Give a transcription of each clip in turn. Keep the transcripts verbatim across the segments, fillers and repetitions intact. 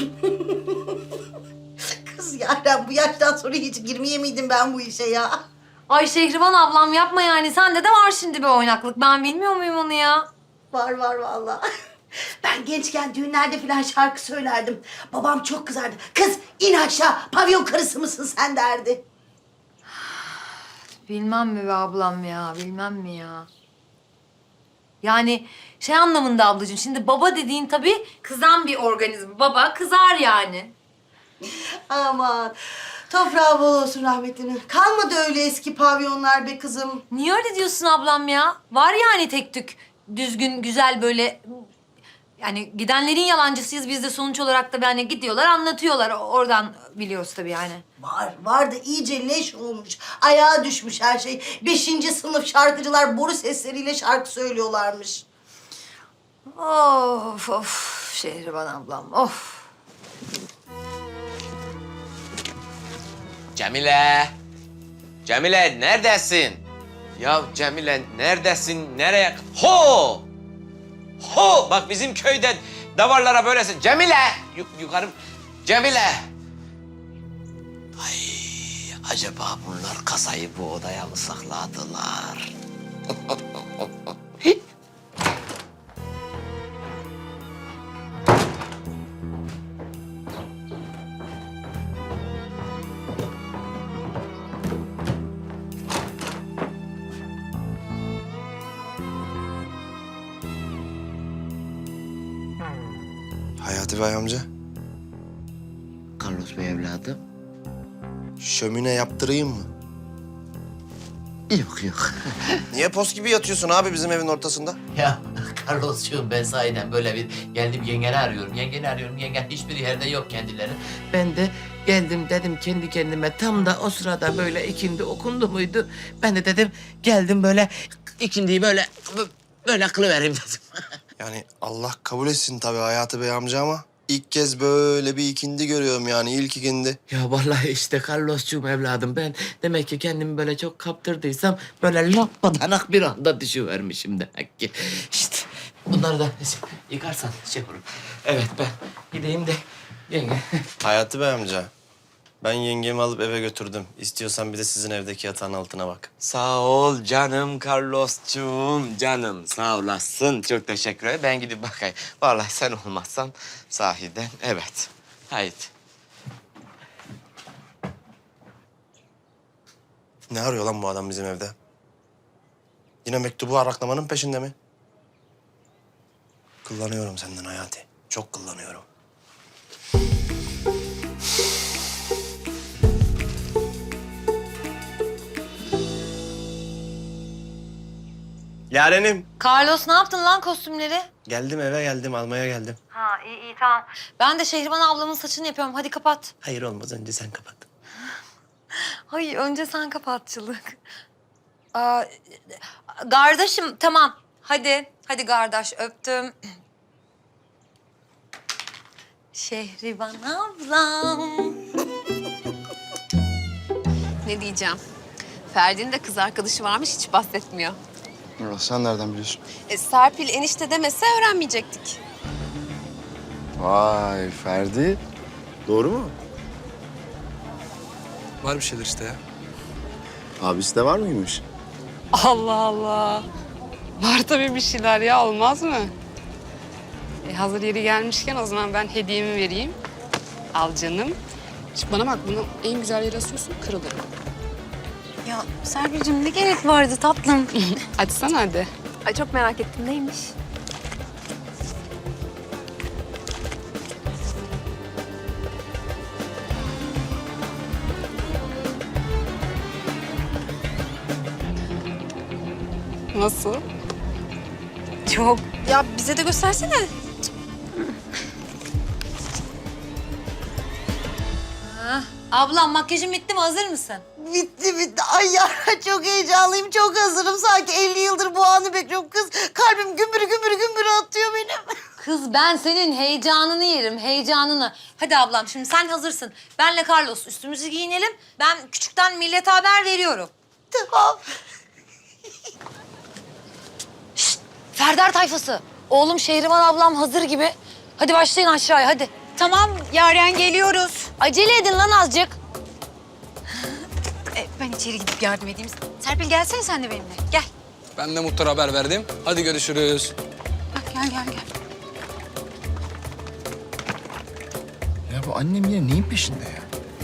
Kız Yaren, bu yaştan sonra hiç girmeye miydim ben bu işe ya? Ay Şehriban ablam yapma yani. Sende de var şimdi bir oynaklık. Ben bilmiyor muyum onu ya? Var var vallahi. Ben gençken düğünlerde falan şarkı söylerdim. Babam çok kızardı. Kız in aşağı, pavyon karısı mısın sen derdi. Bilmem mi be ablam ya, bilmem mi ya? Yani şey anlamında ablacığım, şimdi baba dediğin tabii kızan bir organizm. Baba kızar yani. Aman, toprağı bol olsun rahmetinin. Kalmadı öyle eski pavyonlar be kızım. Niye öyle diyorsun ablam ya? Var yani tek tük, düzgün, güzel böyle... Yani gidenlerin yalancısıyız biz de sonuç olarak da yani gidiyorlar anlatıyorlar. Oradan biliyoruz tabii yani. Var, var da iyice leş olmuş. Ayağa düşmüş her şey. Beşinci sınıf şarkıcılar boru sesleriyle şarkı söylüyorlarmış. Of of Şehriban ablam of. Cemile! Cemile neredesin? Ya Cemile neredesin? Nereye? Ho! Ho! Bak bizim köyde davarlara böylesin. Cemile! Yuk yukarı. Cemile! Ay acaba bunlar kasayı bu odaya mı sakladılar? Hayati Bey amca, Carlos Bey evladım. şömine yaptırayım mı? Yok yok. Niye pos gibi yatıyorsun abi bizim evin ortasında? Ya Carlos'cuğum ben sahiden böyle bir geldim yengeni arıyorum. Yengeni arıyorum. Yengen hiçbir yerde yok kendileri. Ben de geldim dedim kendi kendime tam da o sırada böyle ikindi okundu muydu? Ben de dedim geldim böyle ikindiyi böyle böyle kılıvereyim dedim. Yani Allah kabul etsin tabii Hayati Bey amca ama ilk kez böyle bir ikindi görüyorum yani ilk ikindi. Ya vallahi işte Carlos'cuğum evladım ben demek ki kendimi böyle çok kaptırdıysam böyle lapadanak bir anda düşüvermişim demek ki. İşte bunları da yıkarsan şey olur. Evet ben gideyim de yenge. Hayati Bey amca, ben yengemi alıp eve götürdüm. İstiyorsan bir de sizin evdeki yatağın altına bak. Sağ ol canım Carlos'cuğum canım sağ olasın. Çok teşekkür ederim. Ben gidip bakayım. Vallahi sen olmazsan sahiden evet. Haydi. Ne arıyor lan bu adam bizim evde? Yine mektubu araklamanın peşinde mi? Kullanıyorum senden Hayati. Çok kullanıyorum. Yarenim. Carlos ne yaptın lan kostümleri? Geldim eve geldim almaya geldim. Ha iyi iyi tamam. Ben de Şehriban ablamın saçını yapıyorum. Hadi kapat. Hayır olmaz önce sen kapat. Hayır önce sen kapatçılık. Aa, kardeşim tamam. Hadi. Hadi kardeş öptüm. Şehriban ablam. Ne diyeceğim? Ferdi'nin de kız arkadaşı varmış, hiç bahsetmiyor. Nurhan sen nereden biliyorsun? E, Serpil enişte demese öğrenmeyecektik. Vay Ferdi. Doğru mu? Var bir şeyler işte ya. Abisi de var mıymış? Allah Allah. Var tabii bir şeyler ya, olmaz mı? E, hazır yeri gelmişken o zaman ben hediyemi vereyim. Al canım. Şimdi bana bak, bunu en güzel yere asıyorsun, kırılır. Ya Serpil'cim ne gerek vardı tatlım? Açsana hadi. Ay çok merak ettim, neymiş? Nasıl? Çok. Ya bize de göstersene. Ablam makyajın bitti mi? Hazır mısın? Bitti bitti. Ay Yaren çok heyecanlıyım, çok hazırım. Sanki elli yıldır bu anı bekliyorum. Kız kalbim gümbür gümbür gümbür atıyor benim. Kız ben senin heyecanını yerim, heyecanını. Hadi ablam şimdi sen hazırsın. Benle Carlos üstümüzü giyinelim. Ben küçükten millete haber veriyorum. Tamam. Şşt, Ferdar tayfası. Oğlum Şehriban ablam hazır gibi. Hadi başlayın aşağıya hadi. Tamam Yaren geliyoruz. Acele edin lan azıcık. E, ben içeri gidip yardım edeyim. Serpil gelsene sen de benimle. Gel. Ben de muhtara haber verdim. Hadi görüşürüz. Bak, gel gel gel. Ya bu annem yine neyin peşinde ya?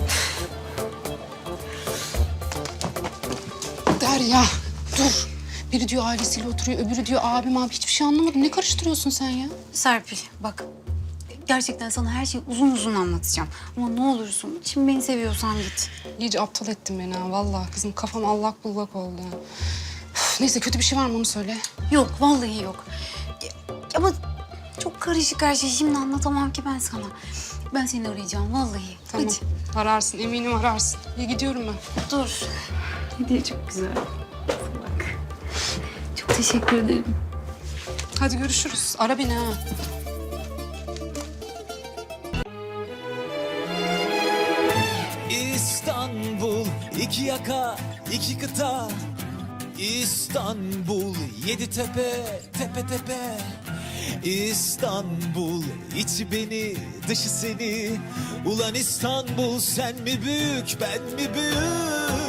Derya dur. Biri diyor ailesiyle oturuyor, öbürü diyor abim abi. Hiçbir şey anlamadım. Ne karıştırıyorsun sen ya? Serpil bak. Gerçekten sana her şeyi uzun uzun anlatacağım. Ama ne olursun şimdi beni seviyorsan git. İyice aptal ettin beni ha. Vallahi kızım kafam allak bullak oldu. Üf, neyse kötü bir şey var mı onu söyle. Yok vallahi yok. Ya- Ama çok karışık her şey. Şimdi anlatamam ki ben sana. Ben seni arayacağım vallahi. Tamam. Hadi. Ararsın, eminim ararsın. İyi gidiyorum ben. Dur. Hediye çok güzel. Bak. Çok teşekkür ederim. Hadi görüşürüz. Ara beni ha. İstanbul, iki yaka, iki kıta. İstanbul, yedi tepe, tepe tepe. İstanbul, içi beni, dışı seni. Ulan İstanbul, sen mi büyük, ben mi büyük?